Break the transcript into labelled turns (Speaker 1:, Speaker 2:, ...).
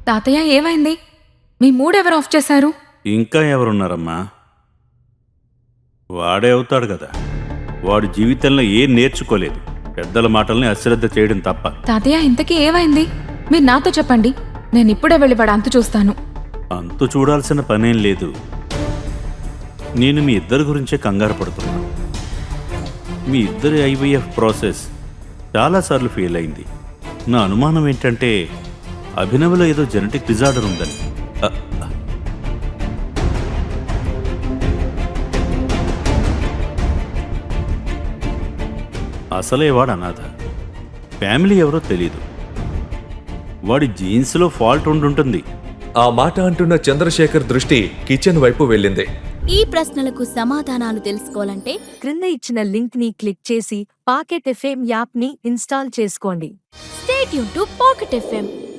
Speaker 1: తాతయ్య ఏమైంది? మీ మూడెవరు ఆఫ్ చేశారు?
Speaker 2: ఇంకా ఎవరున్నారమ్మా? వాడే అవుతాడు కదా. వాడి జీవితంలో ఏం నేర్చుకోలేదు, పెద్దల మాటల్ని అశ్రద్ధ చేయడం తప్ప.
Speaker 1: తాతయ్య ఇంతకీ ఏమైంది? మీరు నాతో చెప్పండి, నేను ఇప్పుడే వెళ్ళి వాడు అంతు చూస్తాను.
Speaker 2: అంతు చూడాల్సిన పనేం లేదు. నేను మీ ఇద్దరి గురించే కంగారు పడుతున్నాను. మీ ఇద్దరి ఐవీఎఫ్ ప్రాసెస్ చాలాసార్లు ఫెయిల్ అయింది. నా అనుమానం ఏంటంటే అభినవ్లో ఏదో జెనెటిక్ డిజార్డర్ ఉందని. అసలే వాడు అనాథ, ఫ్యామిలీ ఎవరో తెలీదు. వాడి జీన్స్లో ఫాల్ట్ ఉండుంటుంది.
Speaker 3: ఆ మాట అంటున్న చంద్రశేఖర్ దృష్టి కిచెన్ వైపు వెళ్ళింది.
Speaker 4: ఈ ప్రశ్నలకు సమాధానాలు తెలుసుకోవాలంటే
Speaker 5: క్రింద ఇచ్చిన లింక్ ని క్లిక్ చేసి పాకెట్ ఎఫ్ఎం యాప్ ని ఇన్స్టాల్ చేసుకోండి.
Speaker 4: Stay tune to Pocket FM.